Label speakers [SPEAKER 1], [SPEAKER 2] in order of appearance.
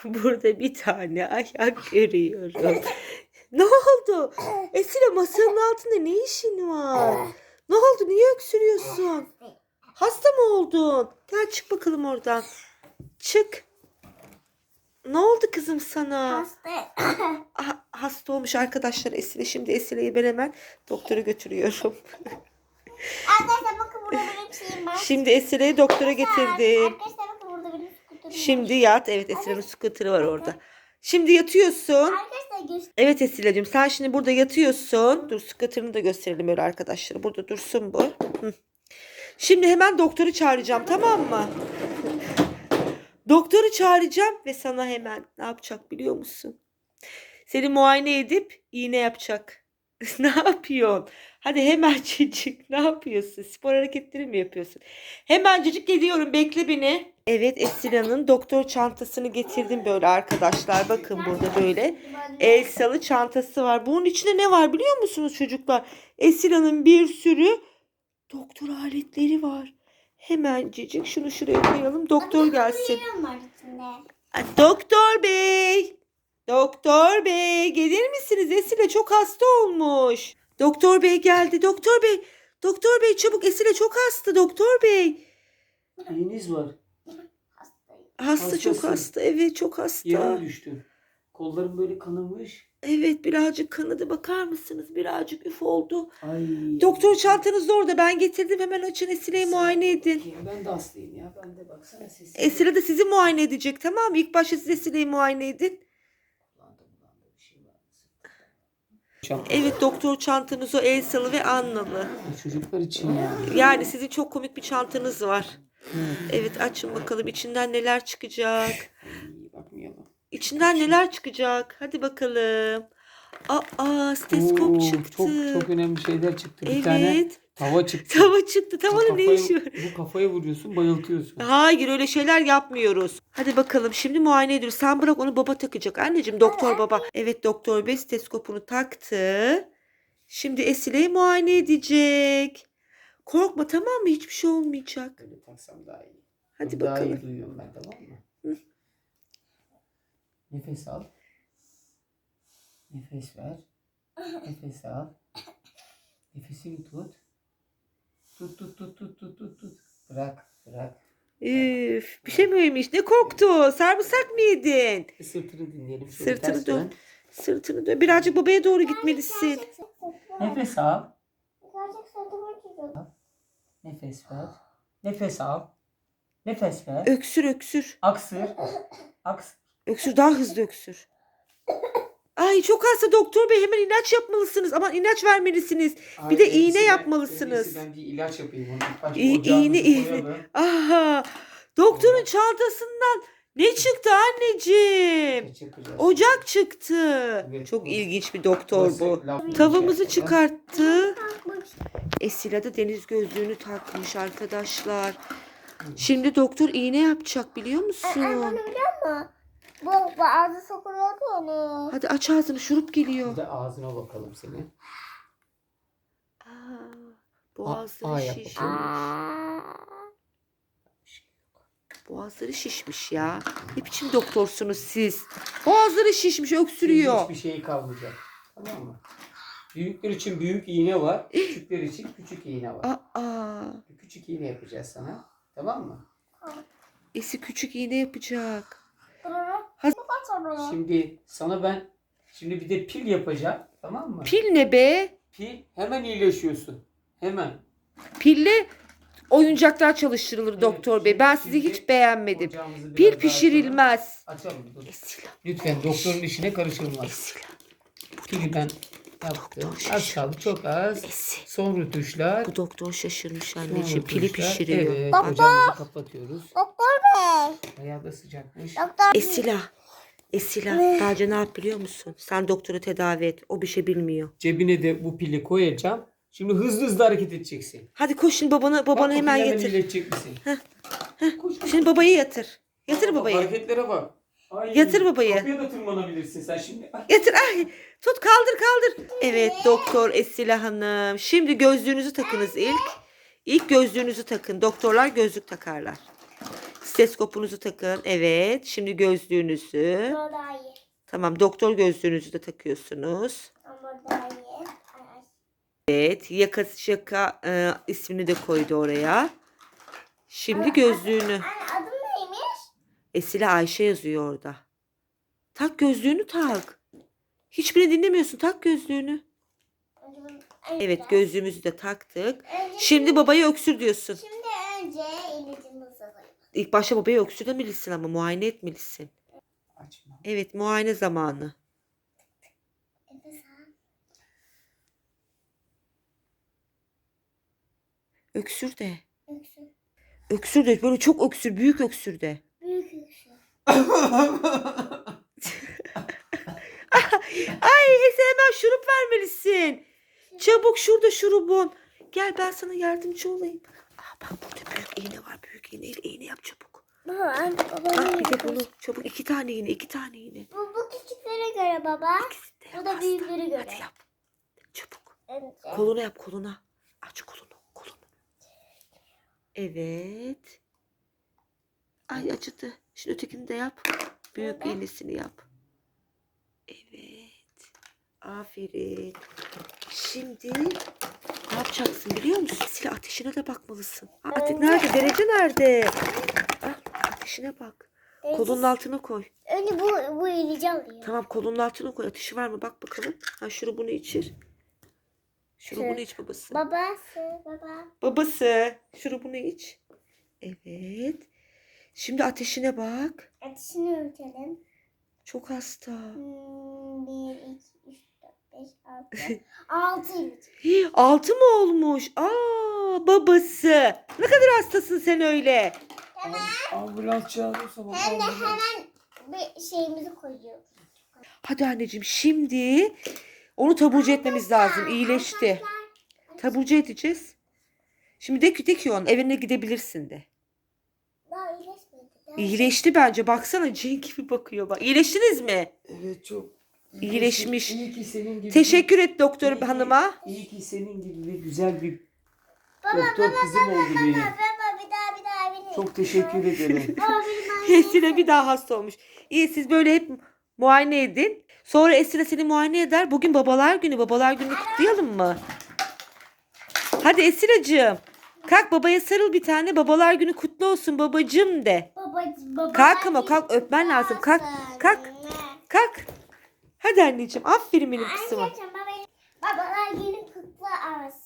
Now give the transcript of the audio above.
[SPEAKER 1] Burada bir tane ayak görüyorum. Ne oldu? Esile masanın altında ne işin var? Ne oldu? Niye öksürüyorsun? Hasta mı oldun? Gel çık bakalım oradan. Çık. Ne oldu kızım sana?
[SPEAKER 2] Hasta.
[SPEAKER 1] Hasta olmuş arkadaşlar Esile. Şimdi Esile'yi ben hemen doktora götürüyorum.
[SPEAKER 2] Arkadaşlar bakın burada benim şeyim var.
[SPEAKER 1] Şimdi Esile'yi doktora getirdim.
[SPEAKER 2] Arkadaşlar bakın burada benim skuterim var.
[SPEAKER 1] Şimdi yat. Evet Esile'nin scooter'ı var orada. Şimdi yatıyorsun.
[SPEAKER 2] Arkadaşlar göster.
[SPEAKER 1] Evet Esile'cim sen şimdi burada yatıyorsun. Dur scooter'ını da gösterelim öyle arkadaşlar. Burada dursun bu. Hı. Şimdi hemen doktoru çağıracağım, tamam mı? Doktoru çağıracağım ve sana hemen ne yapacak biliyor musun? Seni muayene edip iğne yapacak. Ne yapıyorsun? Hadi hemencecik ne yapıyorsun? Spor hareketleri mi yapıyorsun? Hemencecik geliyorum, bekle beni. Evet Esila'nın doktor çantasını getirdim böyle arkadaşlar. Bakın burada böyle Elsa'lı çantası var. Bunun içinde ne var biliyor musunuz çocuklar? Esila'nın bir sürü doktor aletleri var. Hemencecik şunu şuraya koyalım. Doktor gelsin.
[SPEAKER 2] Var içinde.
[SPEAKER 1] Doktor bey. Doktor bey gelir misiniz? Esile çok hasta olmuş. Doktor bey geldi. Doktor bey. Doktor bey çabuk, Esile çok hasta doktor bey.
[SPEAKER 3] Neyiniz var?
[SPEAKER 1] Hasta, çok
[SPEAKER 3] Hastası.
[SPEAKER 1] hasta. Evet çok
[SPEAKER 3] Yere
[SPEAKER 1] hasta.
[SPEAKER 3] mi düştü? Kollarım böyle kanamış.
[SPEAKER 1] Evet birazcık kanadı, bakar mısınız? Birazcık üf oldu.
[SPEAKER 3] Ay.
[SPEAKER 1] Doktor çantanız da orada. Ben getirdim, hemen açın, Esile'yi muayene edin.
[SPEAKER 3] Ben de hastayım ya. Ben de baksana sesim.
[SPEAKER 1] Esile de sizi muayene edecek, tamam mı? İlk başta siz Esile'yi muayene edin.
[SPEAKER 3] Bulandı, bir şey var.
[SPEAKER 1] Evet doktor çantanız o Elsa'lı ve Annalı.
[SPEAKER 3] Çocuklar için ya.
[SPEAKER 1] Yani sizin çok komik bir çantanız var. Evet açın bakalım içinden neler çıkacak.
[SPEAKER 3] Ay, bakmayalım.
[SPEAKER 1] İçinden neler çıkacak. Hadi bakalım. Steskop
[SPEAKER 3] Oo,
[SPEAKER 1] çıktı.
[SPEAKER 3] Çok önemli şeyler çıktı. Bir tane
[SPEAKER 1] Evet.
[SPEAKER 3] tava çıktı.
[SPEAKER 1] Tava çıktı. Tavanın ne işi var?
[SPEAKER 3] Bu kafaya vuruyorsun, bayıltıyorsun.
[SPEAKER 1] Hayır öyle şeyler yapmıyoruz. Hadi bakalım şimdi muayene ediyoruz. Sen bırak, onu baba takacak. Anneciğim doktor baba. Evet doktor bey steskopunu taktı. Şimdi Esile'yi muayene edecek. Korkma, tamam mı? Hiçbir şey olmayacak.
[SPEAKER 3] Böyle taksam daha iyi.
[SPEAKER 1] Hadi
[SPEAKER 3] Daha
[SPEAKER 1] bakalım.
[SPEAKER 3] iyi duyuyorum ben, tamam mı? Nefes al. Nefes ver. Nefes al. Nefesini tut. Tut. Bırak.
[SPEAKER 1] Üf, bir şey mi yemiş? Ne korktu? Sarımsak mı yedin?
[SPEAKER 3] Sırtını dinleyelim. Şöyle
[SPEAKER 1] Sırtını
[SPEAKER 3] ters
[SPEAKER 1] dön. Sırtını dön. Birazcık babaya doğru gitmelisin.
[SPEAKER 3] Nefes al.
[SPEAKER 2] Gerçek sırtıma çıkıyor.
[SPEAKER 3] Nefes ver. Nefes al. Nefes ver.
[SPEAKER 1] Öksür öksür.
[SPEAKER 3] Aksır.
[SPEAKER 1] Öksür, daha hızlı öksür. Ay çok hasta doktor bey, hemen ilaç yapmalısınız. Aman ilaç vermelisiniz. Bir de iğne yapmalısınız.
[SPEAKER 3] Ben bir ilaç yapayım. Onu ilk başta
[SPEAKER 1] İğne.
[SPEAKER 3] koyalım.
[SPEAKER 1] Aha. Doktorun çantasından ne çıktı anneciğim?
[SPEAKER 3] Ne çıkacağız?
[SPEAKER 1] Ocak çıktı.
[SPEAKER 3] Evet,
[SPEAKER 1] Çok
[SPEAKER 3] o-
[SPEAKER 1] ilginç bir doktor bu.
[SPEAKER 3] Burası-
[SPEAKER 1] Tavamızı çıkarttı. Esila da deniz gözlüğünü takmış arkadaşlar. Şimdi doktor iğne yapacak biliyor musun?
[SPEAKER 2] Biliyor musun? Bu ağzı sokuluyordu onu.
[SPEAKER 1] Hadi aç ağzını, şurup
[SPEAKER 3] Bir
[SPEAKER 1] geliyor.
[SPEAKER 3] de ağzına bakalım senin.
[SPEAKER 1] Boğazları
[SPEAKER 3] yap
[SPEAKER 1] şiş.
[SPEAKER 3] bakalım.
[SPEAKER 1] Boğazları şişmiş ya. Ne biçim doktorsunuz siz? Boğazları şişmiş, öksürüyor.
[SPEAKER 3] Hiçbir şey kalmayacak. Tamam mı? Büyükler için büyük iğne var. Küçükler için küçük iğne var. Bir küçük iğne yapacağız sana. Tamam mı?
[SPEAKER 1] Esi küçük iğne yapacak.
[SPEAKER 3] Şimdi sana ben bir de pil yapacağım. Tamam mı?
[SPEAKER 1] Pil ne be?
[SPEAKER 3] Pil hemen iyileşiyorsun. Hemen.
[SPEAKER 1] Pille oyuncaklar çalıştırılır
[SPEAKER 3] Evet,
[SPEAKER 1] doktor bey. Ben sizi
[SPEAKER 3] şimdi
[SPEAKER 1] hiç beğenmedim.
[SPEAKER 3] ocağımızı biraz
[SPEAKER 1] Pil
[SPEAKER 3] daha
[SPEAKER 1] pişirilmez.
[SPEAKER 3] açalım. Dur.
[SPEAKER 1] Esila.
[SPEAKER 3] Lütfen doktorun işine karışılmaz.
[SPEAKER 1] Esila.
[SPEAKER 3] Pili ben yaptım.
[SPEAKER 1] Doktor
[SPEAKER 3] Az kaldı, çok az.
[SPEAKER 1] Esi.
[SPEAKER 3] Son rötuşlar.
[SPEAKER 1] Bu doktor şaşırmış
[SPEAKER 3] Son
[SPEAKER 1] anneciğim. Pili
[SPEAKER 3] rötuşlar.
[SPEAKER 1] pişiriyor.
[SPEAKER 3] Evet,
[SPEAKER 1] Bak.
[SPEAKER 3] ocağımızı kapatıyoruz.
[SPEAKER 2] Doktor bey.
[SPEAKER 3] Bayağı da sıcakmış.
[SPEAKER 2] Doktor.
[SPEAKER 1] Esila. Bence ne yap biliyor musun? Sen doktoru tedavi et. O bir şey bilmiyor.
[SPEAKER 3] Cebine de bu pili koyacağım. Şimdi hızlı hareket edeceksin.
[SPEAKER 1] Hadi koş şimdi babanı
[SPEAKER 3] Bak,
[SPEAKER 1] hemen
[SPEAKER 3] pili
[SPEAKER 1] getir.
[SPEAKER 3] iyileşecek misin? Koş.
[SPEAKER 1] Şimdi babayı yatır. Yatır
[SPEAKER 3] Bak,
[SPEAKER 1] babayı.
[SPEAKER 3] hareketlere bak. Ay,
[SPEAKER 1] Yatır babayı.
[SPEAKER 3] Kapıya da tırmanabilirsin sen şimdi. Ay.
[SPEAKER 1] Yatır. Ay. Tut, kaldır. Evet doktor Esila Hanım. Şimdi gözlüğünüzü takınız ilk. İlk gözlüğünüzü takın. Doktorlar gözlük takarlar. Steskopunuzu takın. Evet. Şimdi gözlüğünüzü.
[SPEAKER 2] Bu daha iyi.
[SPEAKER 1] Tamam, doktor gözlüğünüzü de takıyorsunuz.
[SPEAKER 2] Ama daha iyi. Ay, ay.
[SPEAKER 1] Evet. Yaka ismini de koydu oraya. Şimdi gözlüğünü.
[SPEAKER 2] Anne adım neymiş?
[SPEAKER 1] Esile Ayşe yazıyor orada. Tak gözlüğünü tak. Hiçbirini dinlemiyorsun. Tak gözlüğünü. Evet, gözlüğümüzü de taktık. Şimdi babaya öksür diyorsun.
[SPEAKER 2] Şimdi önce ilacımızı koyalım.
[SPEAKER 1] İlk başta babaya öksür demelisin ama muayene etmelisin.
[SPEAKER 3] Açma.
[SPEAKER 1] Evet, muayene zamanı.
[SPEAKER 2] Nefes al.
[SPEAKER 1] Öksür de.
[SPEAKER 2] Öksür.
[SPEAKER 1] Öksür de. Böyle çok öksür. Büyük öksür de.
[SPEAKER 2] Büyük öksür.
[SPEAKER 1] Ay Ese, hemen şurup vermelisin. Çabuk, şurada şurubun. Gel, ben sana yardımcı olayım. Bak burada büyük iğne var. Büyük iğneyle iğne yap çabuk.
[SPEAKER 2] Baba anne baba.
[SPEAKER 1] Bir de bunu çabuk. 2 tane iğne. 2 tane iğne.
[SPEAKER 2] Bu küçüklere göre baba.
[SPEAKER 1] İkisini de
[SPEAKER 2] Bu
[SPEAKER 1] yap
[SPEAKER 2] da
[SPEAKER 1] hasta.
[SPEAKER 2] büyüklere göre.
[SPEAKER 1] Hadi yap. Çabuk.
[SPEAKER 2] Önce.
[SPEAKER 1] Koluna yap, koluna. Aç kolunu. Evet. Ay, acıdı. Şimdi ötekini de yap. Büyük
[SPEAKER 2] Neden?
[SPEAKER 1] iğnesini yap. Evet. Aferin. Şimdi ne yapacaksın biliyor musun? Silah ateşine de bakmalısın. Nerede? Derece nerede? Ateşine bak. Kolunun altına koy.
[SPEAKER 2] Önce bu ilacı alayım.
[SPEAKER 1] Tamam, kolunun altına koy. Ateşi var mı? Bak bakalım. Şurubunu içir. Şurubunu iç babası.
[SPEAKER 2] Baba.
[SPEAKER 1] Babası. Şurubunu iç. Evet. Şimdi ateşine bak.
[SPEAKER 2] Ateşini ölçelim.
[SPEAKER 1] Çok hasta.
[SPEAKER 2] 1, 2, 3, 4, 5, 6. 6 ilaç.
[SPEAKER 1] 6 mı olmuş? Babası. Ne kadar hastasın sen öyle.
[SPEAKER 3] Ambulans çağırırsa bak.
[SPEAKER 2] Hem de
[SPEAKER 3] ambulans.
[SPEAKER 2] hemen bir şeyimizi koyuyoruz.
[SPEAKER 1] Hadi anneciğim, şimdi onu taburcu etmemiz lazım. İyileşti. Taburcu edeceğiz. Şimdi de ki onun evine gidebilirsin de.
[SPEAKER 2] Daha iyileşmedi.
[SPEAKER 1] İyileşti bence. Baksana, cin gibi bakıyor bak. İyileştiniz mi?
[SPEAKER 3] Evet, çok.
[SPEAKER 1] İyileşmiş.
[SPEAKER 3] İyi ki senin gibi.
[SPEAKER 1] Teşekkür et doktor
[SPEAKER 3] İyi ki-
[SPEAKER 1] hanıma.
[SPEAKER 3] İyi ki senin gibi bir güzel bir
[SPEAKER 2] Baba,
[SPEAKER 3] doktor kızım oldu benim.
[SPEAKER 2] Baba bir daha beni.
[SPEAKER 3] Çok teşekkür ederim.
[SPEAKER 2] Baba benim
[SPEAKER 1] Esile bir daha hasta olmuş. İyi, siz böyle hep muayene edin. Sonra Esile seni muayene eder. Bugün babalar günü. Babalar gününü kutlayalım mı? Hadi Esile'cığım. Kalk, babaya sarıl bir tane. Babalar günü kutlu olsun babacığım de.
[SPEAKER 2] Baba.
[SPEAKER 1] Kalk ama, kalk, öpmen lazım. Kalk. Kalk. Hadi anneciğim. Aferin benim kızıma.
[SPEAKER 2] Anneciğim babalar günü kutlu olsun.